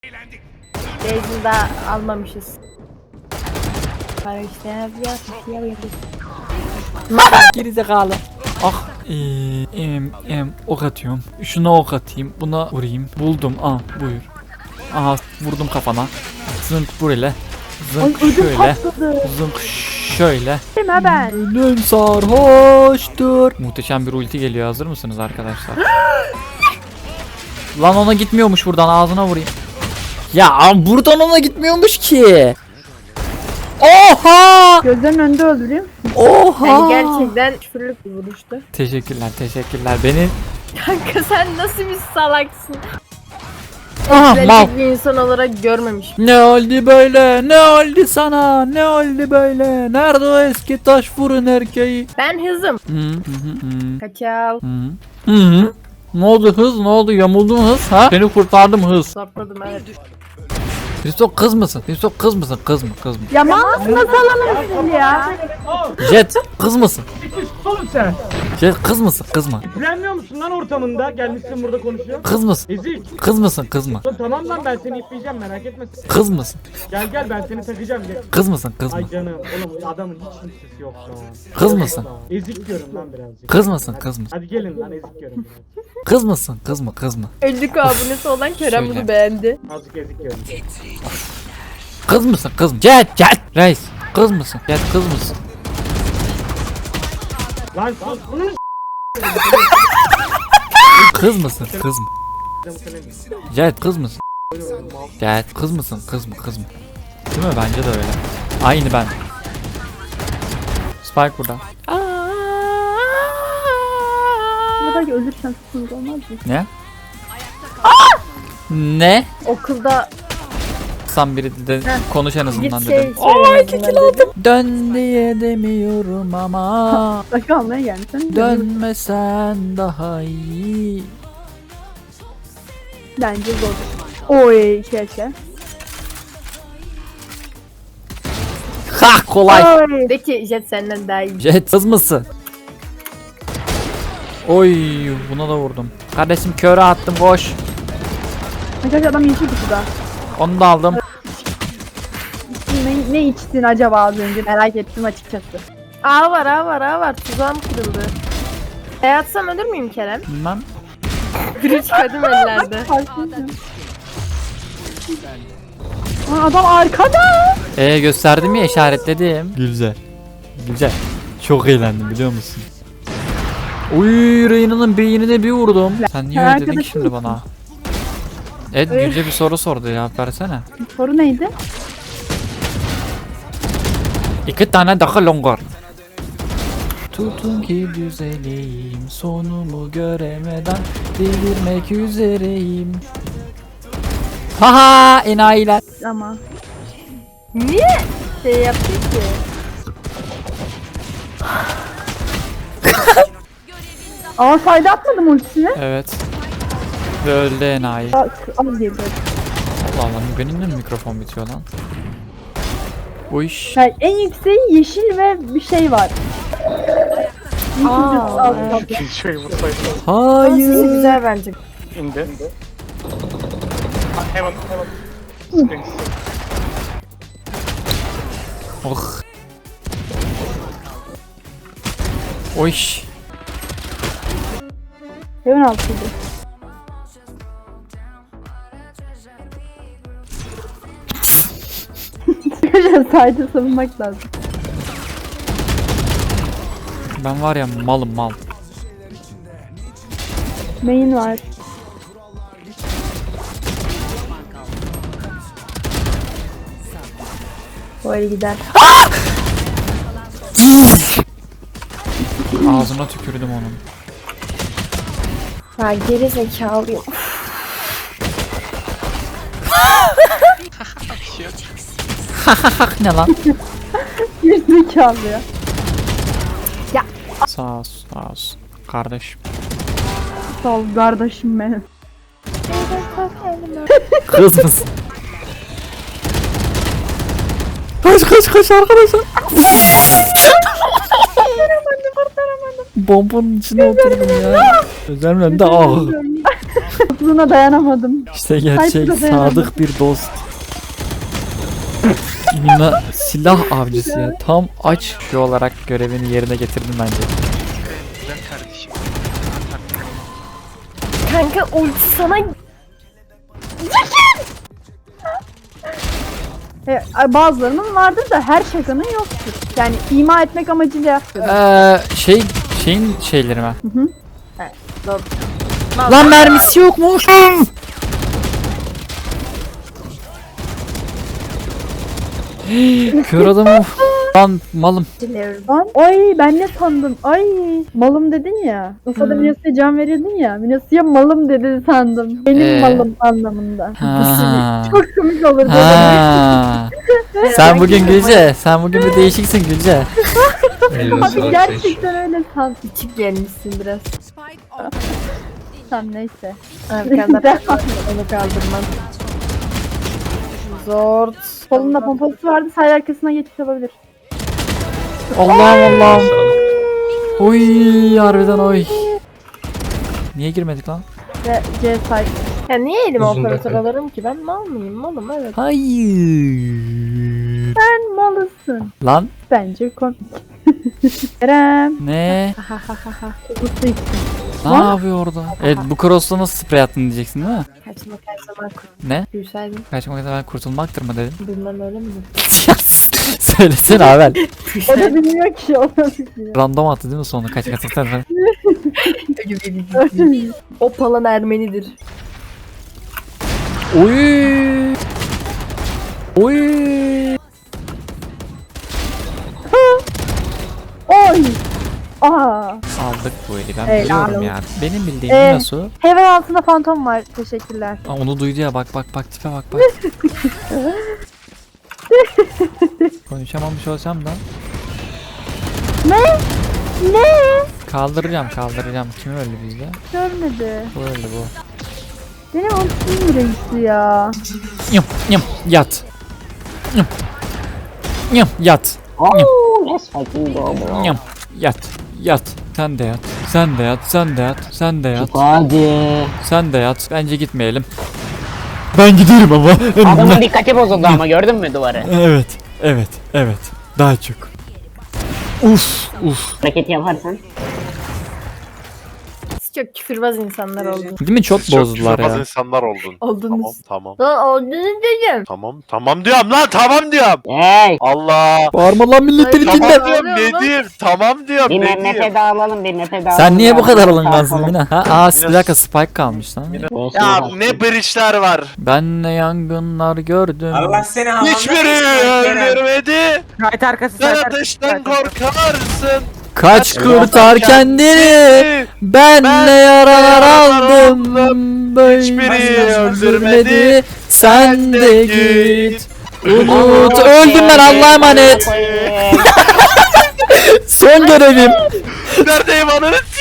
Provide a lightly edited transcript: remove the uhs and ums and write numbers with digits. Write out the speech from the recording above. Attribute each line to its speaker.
Speaker 1: Beyzini daha almamışız. Para işte ya.
Speaker 2: Gerizekalı. Ah. Ok atıyorum. Şuna ok atayım. Buna vurayım. Buldum. Buyur. Aha vurdum kafana. Zınk burayla. Zınk şöyle. Zınk şöyle.
Speaker 1: Ben.
Speaker 2: Gönlüm sarhoştur. Muhteşem bir ulti geliyor. Hazır mısınız arkadaşlar? Lan ona gitmiyormuş buradan. Ağzına vurayım. Ya buradan ona gitmiyormuş ki. Oha!
Speaker 1: Gözlerin önünde öldüreyim.
Speaker 2: Oha!
Speaker 1: Yani gerçekten küfürlük bir vuruştu.
Speaker 2: Teşekkürler, teşekkürler. Beni
Speaker 1: Kanka sen nasıl bir salaksın?
Speaker 2: mal.
Speaker 1: Ezberlik bir insan olarak görmemiş.
Speaker 2: Ne oldu böyle? Ne oldu sana? Ne oldu böyle? Nerede o eski taş fırın erkeği?
Speaker 1: Ben hızım.
Speaker 2: Hı.
Speaker 1: Kaçav.
Speaker 2: Hı. Ne oldu hız? Ne oldu? Yamuldum hız. Ha? Seni kurtardım hız.
Speaker 1: Sapladım evet.
Speaker 2: Hristo kız mısın? Hristo kız mısın? Kız mı? Kız mı?
Speaker 1: Ya nasıl alamazsın ya?
Speaker 2: Jet kız mısın?
Speaker 3: Oğlum sen.
Speaker 2: Jet kız mısın? Kız mı?
Speaker 3: İplenmiyor musun lan ortamında? Gelmişsin burada konuşuyor.
Speaker 2: Kız mısın?
Speaker 3: Ezik.
Speaker 2: Kız mısın? Kız mı?
Speaker 3: Lan tamam lan ben seni ipleyeceğim merak etme.
Speaker 2: Kız mısın?
Speaker 3: Gel ben seni takacağım gel.
Speaker 2: Kız mısın? Kız mı?
Speaker 3: Ay canım oğlum adamın hiç kimsesi yok şu an.
Speaker 2: Kız mısın?
Speaker 3: Ezik diyorum lan birazcık.
Speaker 2: Kız mısın? Kız mısın?
Speaker 3: Hadi gelin lan ezik diyorum birazcık.
Speaker 2: Kız mısın? Kız mı? Kız mı?
Speaker 1: 50 abonesi olan Kerem
Speaker 2: Söyle.
Speaker 1: bunu beğendi.
Speaker 3: Azıcık ezik diyorum.
Speaker 2: Kız mısın? Kız mı? Jet! Reis! Kız mısın? Jet kız mısın?
Speaker 3: Lan sus. Bunun
Speaker 2: Kız mısın? Kız mı? Jet kız mısın? Jet kız mısın? Kız mı? Kız mı? Değil mi? Bence de öyle. Aynı ben. Spike burada.
Speaker 1: Belki ölürsen sıkıntı olmaz mı?
Speaker 2: Ne? Ne?
Speaker 1: Okulda
Speaker 2: Sen biri de konuş en azından
Speaker 1: git
Speaker 2: dedim.
Speaker 1: Ay kikiladım.
Speaker 2: Dön diye demiyorum ama
Speaker 1: Başka almaya gelmişsin.
Speaker 2: dönmesen daha iyi.
Speaker 1: Bence zor. Oy keşke.
Speaker 2: Ha kolay.
Speaker 1: De ki Jet senden daha iyi.
Speaker 2: Jet kız mısın? Oy buna da vurdum. Kardeşim köre attım koş.
Speaker 1: Arkadaşlar adam yeşil kutuda.
Speaker 2: Onu da aldım.
Speaker 1: Ne içtin acaba az önce merak ettim açıkçası. A var. Tuzağım kırıldı. Atsam ölür müyüm Kerem?
Speaker 2: Bilmem.
Speaker 1: Biri çıkardım ellerde. Adam arkada.
Speaker 2: Gösterdim ya işaretledim. Güzel. Güzel. Çok eğlendim biliyor musun? Uy Reyna'nın beynine bir vurdum. Sen niye öyle dedin ki
Speaker 1: Arkadaşım
Speaker 2: şimdi bana? Evet Gülce bir soru sordu ya versene.
Speaker 1: Soru neydi?
Speaker 2: 2 tane daha longar. Tutun ki düzeleyim sonumu göremeden delirmek üzereyim. Haha enayiler.
Speaker 1: Ama. Niye şey yaptın ki? Aa sayda atmadım ultisini.
Speaker 2: Evet. Ve öldü enayi.
Speaker 1: Al diye böyle.
Speaker 2: Allah Allah benim de mi mikrofon bitiyor lan? Bu iş.
Speaker 1: Yani en yükseği yeşil ve bir şey var.
Speaker 4: Şöyle vursaydı.
Speaker 2: Hayır.
Speaker 1: Güzel bence.
Speaker 4: İndi. Heaven.
Speaker 2: Oh. O iş.
Speaker 1: Hemen altıydı. Arkadaşlar sayda savunmak lazım.
Speaker 2: Ben var ya malım mal.
Speaker 1: Main var. Böyle gider.
Speaker 2: Ağzına tükürdüm onun.
Speaker 1: Ya geri zekalıyım.
Speaker 2: Ne lan?
Speaker 1: Geri zekalı ya.
Speaker 2: Sağ ol, sağ ol. Kardeşim.
Speaker 1: Sağ ol kardeşim benim.
Speaker 2: Kız mısın? Kaç arkadaşlar. Bombanın içine oturdum ya. Gözlerimin önünde
Speaker 5: dostluğuna dayanamadım.
Speaker 2: İşte gerçek
Speaker 5: Sayfada dayanamadım.
Speaker 2: sadık bir dost. Mina silah avcısı ya. Tam aç şu olarak görevini yerine getirdim bence.
Speaker 4: Güzel kardeşim.
Speaker 1: Kanka ulti sana
Speaker 5: Bazılarının vardır da her şakanın yoktur. Yani ima etmek amacıyla yaptım.
Speaker 2: Şeyin şeyleri mi?
Speaker 1: Doğru.
Speaker 2: Lan mermisi yokmuş. Kör adamı. Lan malım.
Speaker 1: Diliyorum.
Speaker 5: Lan, ay ben ne sandım? Ay malım dedin ya. Ufada Minas'a can veriyordun ya. Minas'a malım dedi sandım. Benim malım anlamında.
Speaker 2: Ha.
Speaker 5: Çok komik olurdu.
Speaker 2: Ha. Sen bugün Gülce. Sen bugün bir değişiksin Gülce.
Speaker 5: Abi gerçekten öyle san.
Speaker 1: Küçük gelmişsin biraz.
Speaker 5: Tamam neyse.
Speaker 1: Arkanda onu kaldırmam. Zor.
Speaker 5: Solunda pompası vardı. Say arkasına geçiş yapabilir.
Speaker 2: Allah'ım Allah'ım. Oy harbiden oy. Niye girmedik lan?
Speaker 5: Ve C say.
Speaker 1: Ya niye elime
Speaker 6: Uzun
Speaker 1: operatör
Speaker 6: dakika.
Speaker 1: alırım ki? Ben mal mıyım? Malım evet.
Speaker 2: Hayır.
Speaker 5: Sen malısın.
Speaker 2: Lan
Speaker 5: Bence komik. Kerem.
Speaker 2: ne?
Speaker 5: Mutlu için.
Speaker 2: Ne yapıyor orada? Evet bu cross'la nasıl sprey attın diyeceksin değil mi?
Speaker 1: Kaçmak her zaman
Speaker 2: Ne?
Speaker 1: kurtulsaydım.
Speaker 2: Kaçmak ben kurtulmaktır mı dedim.
Speaker 1: Bilmem öyle mi?
Speaker 2: Söylesene Avel.
Speaker 5: O da bilmiyor ki. O da bilmiyor.
Speaker 2: Random attı değil mi sonra kaç kaçaktan falan.
Speaker 1: O palan Ermenidir.
Speaker 2: Oy. Oy.
Speaker 5: Oy. Aa.
Speaker 2: Aldık bu eli ben
Speaker 5: Helal
Speaker 2: biliyorum
Speaker 5: olsun.
Speaker 2: ya. Benim bildiğim nasıl?
Speaker 5: Heaven altında fantom var. Teşekkürler.
Speaker 2: Aa, onu duydu ya bak tipe bak. Konuşamamış olsam da
Speaker 5: Ne? Ne?
Speaker 2: kaldıracağım. Kim öldü bizde?
Speaker 5: Görmedi.
Speaker 2: Bu öldü bu.
Speaker 5: Benim ultim reisi ya.
Speaker 2: Yat. Yat. Yat. Sen de yat. Bence gitmeyelim. Ben giderim ama.
Speaker 7: Adamın dikkati bozuldu ama gördün mü duvarı?
Speaker 2: Evet. Daha çok. Uf.
Speaker 7: Hareket yaparsan.
Speaker 1: Siz çok küfürbaz insanlar oldunuz.
Speaker 2: Değil mi? Çok bozdular
Speaker 4: Çok
Speaker 2: ya.
Speaker 4: insanlar oldun.
Speaker 1: Oldunuz.
Speaker 4: Tamam.
Speaker 1: Lan oldunuz dedim.
Speaker 4: Tamam diyorum lan tamam diyorum.
Speaker 7: Hey!
Speaker 4: Allah.
Speaker 2: Bağırma lan milletleri
Speaker 1: Ay,
Speaker 2: dinle.
Speaker 4: Tamam diyorum ne diyeyim tamam diyorum
Speaker 7: Bir
Speaker 4: ne
Speaker 7: nefe
Speaker 4: diyeyim.
Speaker 7: dağılalım, bir nefe dağılalım.
Speaker 2: Sen niye bu kadar
Speaker 7: Dağılalım,
Speaker 2: alıngansın
Speaker 7: dağılalım.
Speaker 2: Mina? Bir dakika Spike kalmış lan.
Speaker 4: Ya ne bridge'ler var.
Speaker 2: Ben ne yangınlar gördüm.
Speaker 8: Allah seni hamamda
Speaker 4: Hiçbiri öldürmedi.
Speaker 7: Kayıt arkası
Speaker 4: Sen ateşten korkarsın.
Speaker 2: Kaç kurtar kendini. Ben ne yaralar aldım. Böyle
Speaker 4: Hiçbiri öldürmedi.
Speaker 2: Sen de git. Umut öldüm ben Allah'a emanet. Son görevim.
Speaker 4: Neredeyim ananı